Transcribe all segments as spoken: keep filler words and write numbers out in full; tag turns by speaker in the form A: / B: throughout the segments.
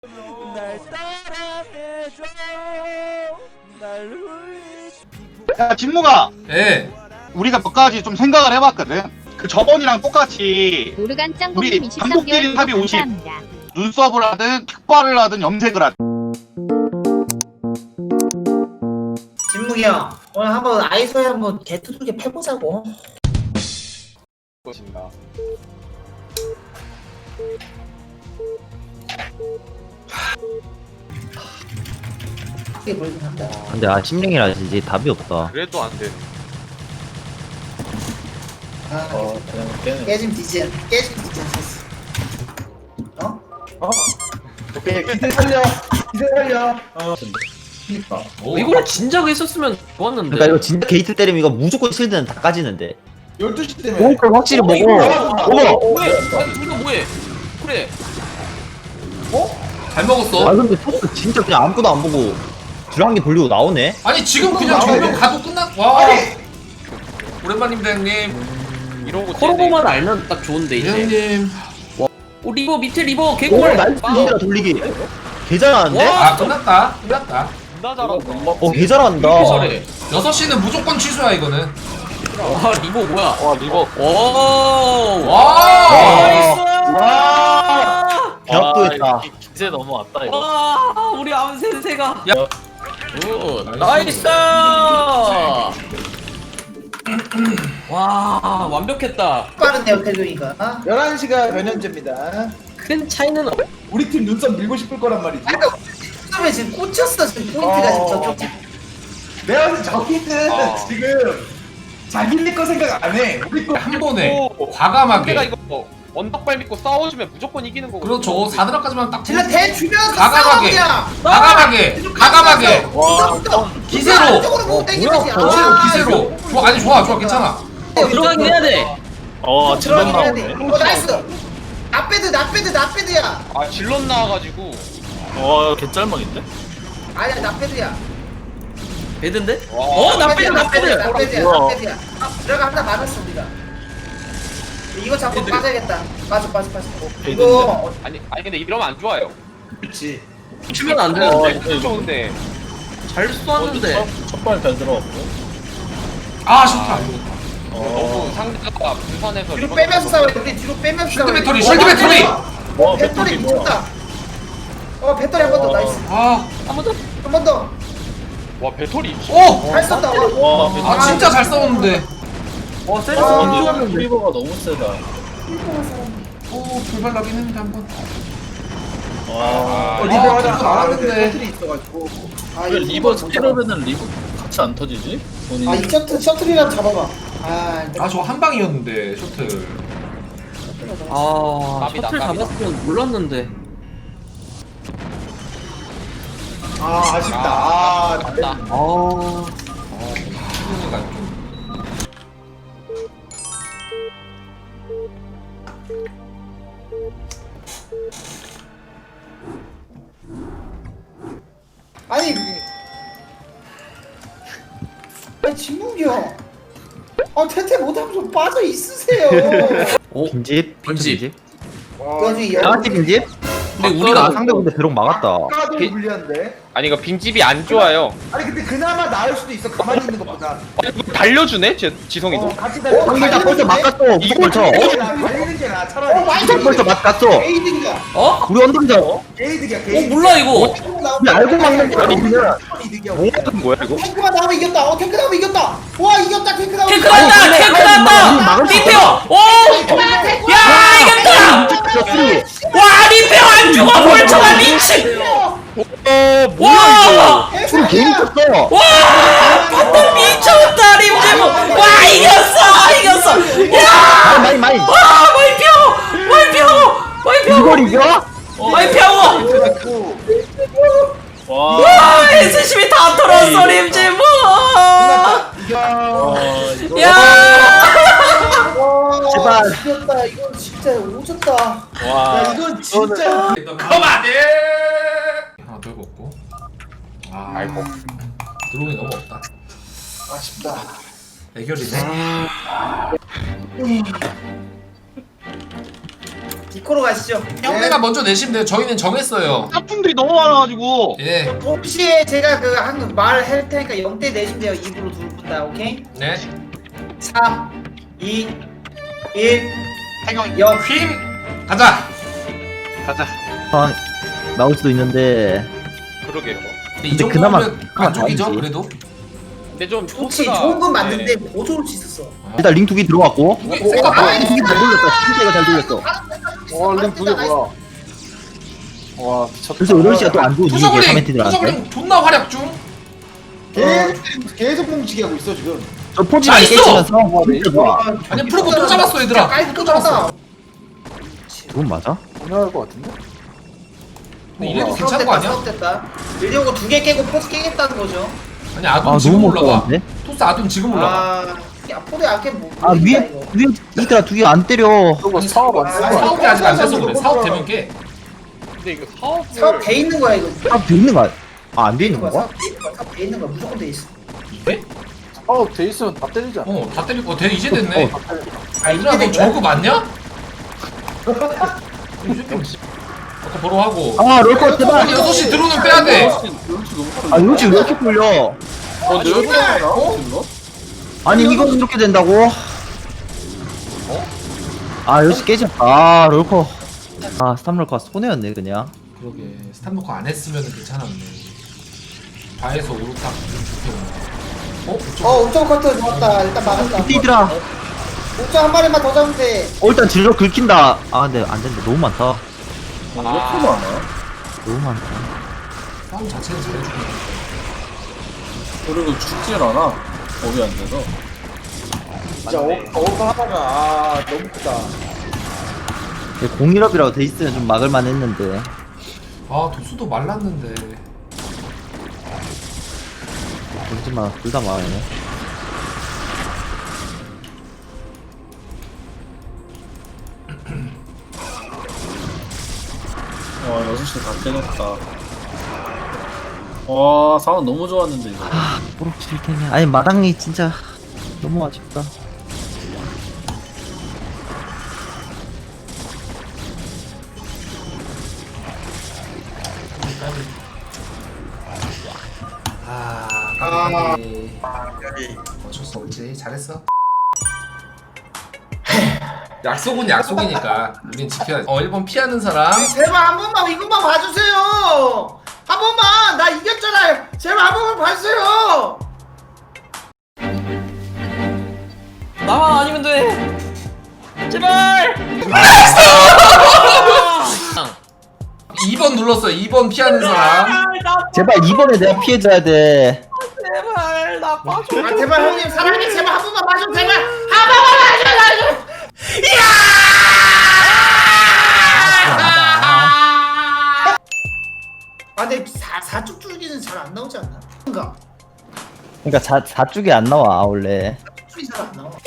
A: 날 따라해줘 날 울리지.
B: 야 진무가
C: 예.
B: 우리가 몇 가지 좀 생각을 해봤거든. 그 저번이랑 똑같이
D: 오르간
B: 우리
D: 짱뽕님 이십삼
B: 한국
D: 개월
B: 일인 합의 오십.
D: 감사합니다.
B: 눈썹을 하든 킥발을 하든 염색을 하든.
E: 진묵이 형 오늘 한번 아이소에 한번 개투두개 패보자고.
F: 것인가.
E: 크게 보이긴 한다.
G: 근데 아 심령이라 이제 답이 없다.
F: 그래도 안 돼.
E: 아,
F: 어, 그냥 걔는
E: 깨짐 디젠 깨짐 디젠 썼어. 어?
F: 오케이 기대 살려. 기대 살려. 어.
E: 그니까.
C: 오.
H: 이거를 진작 했었으면 좋았는데.
G: 그러니까 이거 진짜 게이트 때리면 이거 무조건 실드는 다 까지는데.
F: 열두 시 때문에.
G: 먹을 걸 확실히 먹어.
H: 어머! 뭐해? 아니 우리가 뭐해? 그래.
C: 잘 먹었어.
G: 아 근데 토스 진짜 그냥 아무것도 안 보고 드랑기 돌리고 나오네.
C: 아니 지금 그냥 정면 가도 끝났. 와. 오랜만입니다 형님.
F: 이러고
H: 코로보만 알면 딱 좋은데 이제.
C: 형님.
H: 오 리버 밑에 리버
G: 오
H: 개꿀.
G: 나이스 진짜 돌리기. 개 잘하는데?
C: 아 끝났다. 끝났다.
F: 나 잘한다.
G: 어 개 잘한다.
H: 이렇게 잘해.
C: 여섯 시는 무조건 취소야 이거는.
H: 와 리버 뭐야?
F: 와 리버.
H: 오.
C: 와.
H: 나이스.
F: 와.
G: 벽도 했다.
F: 기세 넘어왔다 이거.
H: 와 우리 암센세가.
C: 야.
H: 오 나이스. 와 완벽했다.
E: 빠른데요 태균이가. 아,
I: 열한 시가 변현재입니다.
H: 큰 차이는 없.
I: 우리 팀 눈썹 밀고 싶을 거란 말이지.
E: 그러니까 처음에 지금 꽂혔어 지금 포인트가 지금 저쪽.
I: 내가 봤을 때 저기는
F: 어.
I: 지금 자기네 거 생각 안 해. 우리 거
C: 한 번에
F: 오. 내가
C: 과감하게.
F: 이거 뭐 언덕발 믿고 싸워주면 무조건 이기는 거거든.
C: 그렇죠. 사드락까지만 딱.
E: 질러 대 주면서 싸워
C: 과감하게.
E: 그냥.
C: 과감하게. 과감하게.
E: 와.
C: 기세로.
E: 쪽으로 보고 땡기지.
C: 기세로 기세로. 좋아 아니 좋아 좋아 괜찮아.
H: 들어가긴 해야 돼.
F: 어
E: 들어가긴 해야 돼. 어 나이스. 나빼드 나빼드 나빼드야.
F: 아 질럿 나와가지고. 와 개짤막인데?
E: 아니야 나빼드야.
H: 배드인데?
F: 와.
H: 어 나빼드 나빼드.
E: 나빼드야
F: 뭐야.
E: 나빼드야. 아, 들어가 하나 맞았어 우리가. 이거 잡고 빠져야겠다. 빠져 빠져 빠져. 이거 어,
F: 아니 아니 근데 이러면 안 좋아요.
I: 그렇지.
H: 치면 안
F: 어
H: 되는데.
F: 이거 좋은데.
H: 잘 쏘았는데.
F: 첫발 잘 들어갔고.
C: 아 좋다.
F: 너무 상대가 분산해서.
E: 뒤로 빼면서 싸워. 우리 뒤로 빼면서
C: 쉴드
E: 싸워.
C: 배터리 쉴드 배터리.
E: 어 배터리 미쳤다. 어 배터리 한 번 더 나이스.
C: 아.
H: 한 번 더.
E: 한 번 더.
F: 와 배터리.
C: 오.
E: 잘 쏜다. 와.
F: 와
C: 아 진짜 잘 싸웠는데.
H: 와 세르스
E: 아,
H: 인조하는데.
F: 리버가 너무 세다.
C: 오 불발 나긴 했는데 한 번.
F: 와.
I: 어,
C: 아,
I: 리버 하자
C: 그래도
I: 나왔는데
C: 나왔는데.
I: 배틀이 있어가지고.
E: 아,
F: 왜
E: 이거
F: 리버
E: 진짜.
F: 스킬업에는 리버 같이 안 터지지? 본인이.
E: 아, 이 셔틀 셔틀이라도 잡아봐. 아,
C: 아 저 한 방이었는데 셔틀.
H: 아
F: 깝이다,
H: 셔틀
F: 깝이다.
H: 잡았으면 몰랐는데.
I: 아 아쉽다. 아,
F: 맞다.
H: 아
C: 수능이가 좀.
E: 아니. 아니, 진묵이 형. 아, 태태 못하면 좀 빠져 있으세요.
H: 오.
G: 빈집?
H: 빈집.
G: 빈집?
E: 그 와중에 열.
G: 양아치 빈집?
H: 근데
G: 아
H: 우리가
G: 상대 근데 드론 막았다.
I: 아까도
F: 게-
I: 불리한데.
F: 아니 이거 빈집이 안 좋아요.
I: 아니 근데 그나마 나을 수도 있어. 가만히 있는 것보다.
F: 아니, 이거 달려주네 제 지성이도.
I: 어 같이 달려.
G: 상대 다 벌써 막았어. 무조건 벌쳐.
I: 달리는 게 나아, 달리는 게 나아.
E: 어,
I: 차라리.
E: 많이
G: 무조건 벌써 막았어.
E: 게이득이야.
H: 어?
G: 우리 언덕이잖아.
I: 게이득이야
H: 어
I: 게이득.
H: 몰라 이거.
G: 우리 알고 막는 거야 우리는.
I: 이득이야.
F: 뭐하는 거야 이거?
E: 탱크가 나오면 이겼다. 어, 탱크 나오면 이겼다. 와, 이겼다. 탱크 나오면.
H: 탱크
E: 이겼다.
H: 났다. 탱크
G: 우리
H: 났다.
G: 막을 수
H: 리페어. 오.
E: 탱크야, 탱크야.
H: 야 이겼다. 와 리페어 안 죽어 벌쳐가 미친.
F: 어
H: 와.
G: 술 개인 쳤어.
H: 와 바텀 미쳤다 림제모. 와 이겼어 이겼어. 야.
G: 많이 많이.
H: 와 마이피어 마이피어 마이피어
G: 이걸 이겨?
H: 마이피어.
F: 와.
H: 와 에스씨비 다 털었어 림제모. 야.
G: 제발.
E: 이겼다. 이건 진짜 오졌다.
F: 와.
I: 야 이건 진짜.
C: 그만해. 하나 더 먹고. 아
F: 아이고.
C: 드론이 너무 없다.
I: 아쉽다.
C: 애결이네.
E: 이코로 가시죠.
C: 형네가 먼저 내시면 돼요. 저희는 정했어요.
B: 짝퉁들이 너무 많아가지고.
C: 예.
E: 동시에 제가 그 한 말 할 테니까 영대 내시면 돼요. 입으로 두 분 다. 오케이?
C: 네.
E: 삼, 이, 일,
B: 태경이
E: 영.
C: 힘 가자.
B: 가자.
G: 아, 나올 수도 있는데.
A: 그러게요.
C: 근데 이
G: 근데 그나마-
C: 정도면
G: 그나마
C: 만족이죠.
G: 다행이지.
C: 그래도.
A: 근데 좀
E: 좋지.
A: 토스가-
E: 좋은 건 맞는데
A: 네.
E: 더 좋을 수 있었어.
G: 일단 링 두 개 들어왔고.
C: 두개
E: 오,
C: 생각보다.
E: 아,
G: 링 잘 돌렸다. 진짜 잘 돌렸어.
F: 와 링 두개 뭐야 와 미쳤다
G: 그래서 여덟 시가 또 안 좋은 이게
C: 투저글링
G: 카멘티들한테.
C: 투저글링 존나 활약 중.
F: 계속 계속 뭉치게 하고 있어 지금
G: 저 포지만
C: 나이스!
G: 깨치면서 진짜 좋아.
C: 아니 프로보 또 잡았어 얘들아.
E: 깔끔
C: 또 잡았어.
G: 그건 맞아?
F: 분명할 것 같은데?
C: 근데 이래도 괜찮은 거 아니야?
E: 사업됐다. 일리오고 두 개 깨고 포스 깨겠다는 거죠.
C: 아니 아둔
G: 아,
C: 지금
G: 너무
C: 올라가.
G: 못하는데?
C: 토스 아둔 지금 올라가.
E: 아, 야 포대 안깨 뭐?
G: 아 위에 위에 이들아 두 개 안 때려.
F: 저거 사업 안 쓰고
C: 사업이 아직 안 돼서 그래. 사업 되면 깨.
A: 근데 이거 사업을
E: 사업 돼 있는 거야 이거.
G: 아, 돼 있는 거야? 아, 안 돼 있는
E: 거야.
G: 거야?
E: 사업 돼 있는 거야. 사업 돼 있는 거야. 무조건 돼 있어.
F: 사업 돼 있으면 다 때리잖아
C: 어 다 때릴 거. 돼 이제 됐네.
F: 다 때려
E: 아
C: 얘들아 너
E: 이게
C: 저거 맞냐? 아까 보러 하고.
G: 아, 롤컷 제발.
C: 아니 여섯 시 들어오면 빼야 돼.
G: 아, 이거 지금 왜 이렇게 풀려?
F: 어 내가
E: 정말?
F: 어? 이거?
G: 아니, 이거 이렇게 된다고? 아, 역시 깨졌다. 아, 롤컷. 아, 스탑 롤컷 손해였네, 그냥.
C: 그러게 스탑 놓고 안 했으면 괜찮았네. 바에서 오르탁 좀 좋게 오네. 어? 어쩌
E: 어 우정 커트 좋았다. 일단 막았다.
G: 띠들아.
E: 우정 한 마리만 더 잡으면 돼.
G: 어, 일단 질러 긁힌다. 아, 근데 안 된다. 너무 많다.
F: 어, 이거 풀어 안 해?
G: 너무 많다.
C: 싸움 자체는 잘해주고 있는데.
F: 그리고 죽질 않아 업이 안 돼서 진짜 업, 업 하다가 아 너무 크다
G: 공일업이라고 돼 있으면 좀 막을만 했는데.
C: 아 도수도 말랐는데.
G: 그렇지만 둘 다 막아야네.
F: 와 여섯 시 다 깨졌다 와 상황 너무 좋았는데 이거
G: 뭐로 칠 테냐. 아니, 마당이 진짜 너무 아쉽다.
C: 아 까비. 어쩔 수 없지. 잘했어. 약속은 약속이니까 우린 지켜야지. 어 일 번 피하는 사람.
E: 제발 한 번만 이것만 봐주세요. 한 번만 나 이겼잖아요. 제발 한 번만 봐주세요.
H: 나만 아니면 돼. 제발.
C: 이 번 눌렀어. 이 번 피하는 사람.
G: 제발 이번에 내가 피해줘야 돼.
H: 제발 나 빠져.
E: 아, 제발 형님 사랑해. 제발 한 번만 봐줘. 제발 한 번만 봐줘. 봐줘. 아 근데 사 사축 줄기는 잘 안 나오지 않나? 뭔가
G: 그러니까 자, 사쪽이 안 나와 원래.
E: 줄이 잘 안 나와.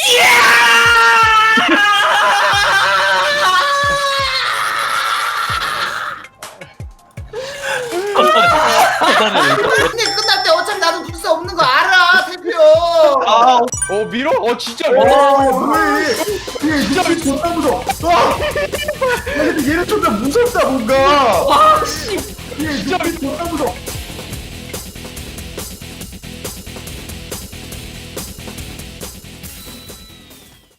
E: 근데 끝날 때 어차피 나도 불사 없는 거 알아, 태표.
A: 아, 어 밀어? 어 진짜 밀어.
F: 얘 진짜 존나 무서워 와! 야 근데 얘는 존나 무섭다 뭔가 와씨 얘 진짜 존나 무서워